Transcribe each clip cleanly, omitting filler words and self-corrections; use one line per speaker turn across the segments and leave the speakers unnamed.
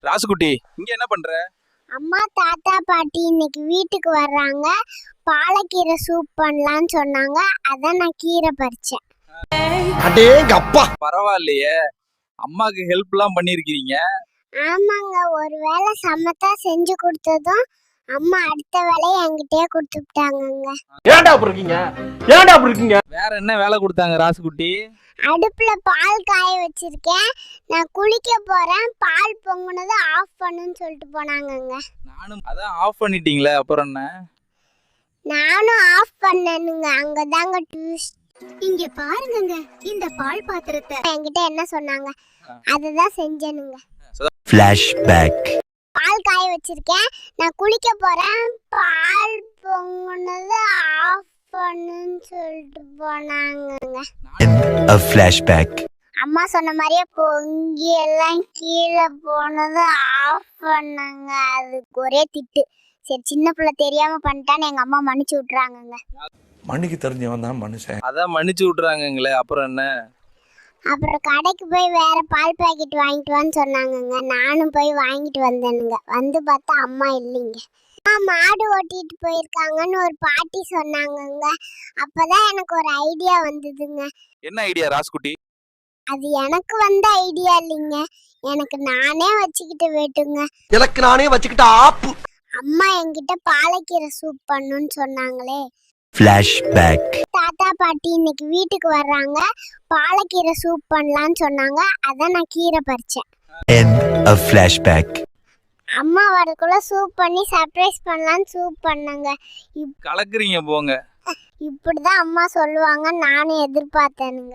ராசுகுட்டி இங்க என்ன பண்ற?
அம்மா தாத்தா பாட்டி இன்னைக்கு வீட்டுக்கு வர்றாங்க. பாலக்கீரை சூப் பண்ணலாம்னு சொன்னாங்க. அதான் நான் கீரை பறிச்சேன்.
அடேங்க அப்பா,
பரவாயில்லையே, அம்மாக்கு ஹெல்ப் எல்லாம் பண்ணிருக்கீங்க.
ஆமாங்க, ஒரு வேளை சமத்தா செஞ்சு கொடுத்ததும் அம்மா அடுத்த வேலையை என்கிட்டயே கொடுத்துட்டாங்கங்க.
ஏன்டா அப்படி இருக்கீங்க? ஏன்டா அப்படி இருக்கீங்க?
வேற என்ன வேலை கொடுத்தாங்க ராசுகுட்டி?
அடுப்புல பால் காய வச்சிருக்கேன். நான் குளிக்க போறேன். பால் பொங்குனது ஆஃப் பண்ணுன்னு சொல்லிட்டு போனாங்கங்க.
நானும் அதான் ஆஃப் பண்ணிட்டீங்களே, அப்புறம் என்ன?
நானும் ஆஃப் பண்ணனுங்க. அங்கதாங்க ட்விஸ்ட்.
இங்க பாருங்கங்க, இந்த பால் பாத்திரத்தை
என்கிட்ட என்ன சொன்னாங்க அதுதான் செஞ்சேனுங்க.
ஃபிளாஷ்பேக்.
பால் காய வச்சிருக்கேன். நான் குளிக்க போறேன். பால் பொங்குனது ஆஃப் பண்ணுன்னு சொல்லிட்டு போனாங்கங்க.
A flashback.
அம்மா சொன்ன மாதிரியே பொங்கி எல்லாம் கீழே போனது ஆஃப் பண்ணாங்க. அதுக்கு ஒரே திட்டு. சரி, சின்ன பிள்ளை தெரியாம பண்ணிட்டான்னு எங்க அம்மா மன்னிச்சு விட்டுறாங்கங்க.
மண்ணுக்கு தெரிஞ்சவன் தான் மனுஷன்.
அதான் மன்னிச்சு விட்டுறாங்கங்களே, அப்புறம் என்ன?
அப்புறம் கடைக்கு போய் வேற பால் பாக்கெட் வாங்கிட்டு வான்னு சொன்னாங்கங்க. நானும் போய் வாங்கிட்டு வந்தேனுங்க. வந்து பார்த்தா அம்மா இல்லைங்க. மாடு ஓட்டிட்டு போயிருக்காங்கன்னு ஒரு பாட்டி சொன்னாங்கங்க. அப்பதான் எனக்கு ஒரு ஐடியா வந்ததுங்க.
என்ன ஐடியா ராசுகுட்டி?
அது எனக்கு வந்த ஐடியா இல்லைங்க, எனக்கு நானே வச்சுக்கிட்டு வேட்டுங்க.
எனக்கு நானே வச்சுக்கிட்ட ஆப்பு.
அம்மா என்கிட்ட பாலக்கீரை சூப் பண்ணுன்னு சொன்னாங்களே.
Flashback.
தாத்தா பாட்டி இன்னைக்கு வீட்டுக்கு வர்றாங்க. பாலக்கீரை சூப் பண்ணலாம்னு சொன்னாங்க. அதான் நான் கீரை பறிச்சேன்.
End of flashback.
அம்மா வரக்குள்ள சூப் பண்ணி சர்ப்ரைஸ் பண்ணலான்னு சூப் பண்ணாங்க.
கலக்குறீங்க போங்க.
இப்படிதான் அம்மா சொல்லுவாங்க நானும் எதிர்பார்த்தேனுங்க.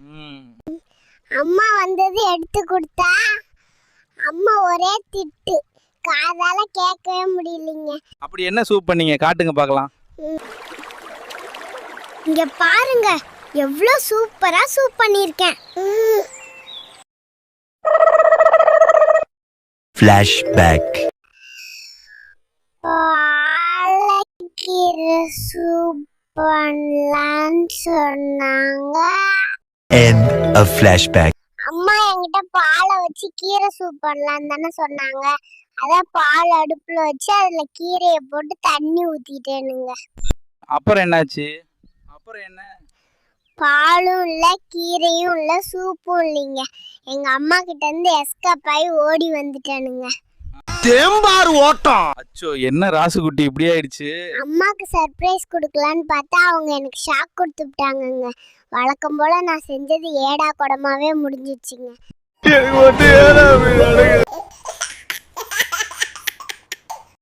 அம்மா வந்தது எடுத்து கொடுத்தா அம்மா ஒரே திட்டு. காதால கேட்கவே முடியலைங்க.
அப்படி என்ன சூப் பண்ணீங்க, காட்டுங்க பார்க்கலாம்.
இங்க பாருங்க, எவ்வளோ சூப்பரா சூப் பண்ணிருக்கேன்.
Flashback.
பாலக்கீரை சூப் பண்ணலான்னு சொன்னாங்க.
End of flashback.
அம்மா என்கிட்ட பாலை வச்சு கீரை சூப் பண்ணலான்னு தானே சொன்னாங்க. அதான் பால் அடுப்புல வச்சு அதுல கீரையை போட்டு தண்ணி ஊத்திட்டேனுங்க.
அப்புறம் என்னாச்சு? அப்புறம் என்ன?
பாலும் இல்ல, கீரையும் இல்ல, சூப்பும் இல்லைங்க. எங்க அம்மா கிட்ட இருந்து எஸ்கேப் ஆகி ஓடி வந்துட்டேனுங்க.
தேம்பாறு ஓட்டம்.
அச்சோ, என்ன ராசுகுட்டி இப்படி ஆயிடுச்சு?
அம்மாக்கு சர்ப்ரைஸ் கொடுக்கலான்னு பார்த்தா அவங்க எனக்கு ஷாக் கொடுத்துட்டாங்கங்க. வழக்கம் போல நான் செஞ்சது ஏடா குடமாவே முடிஞ்சிச்சுங்க.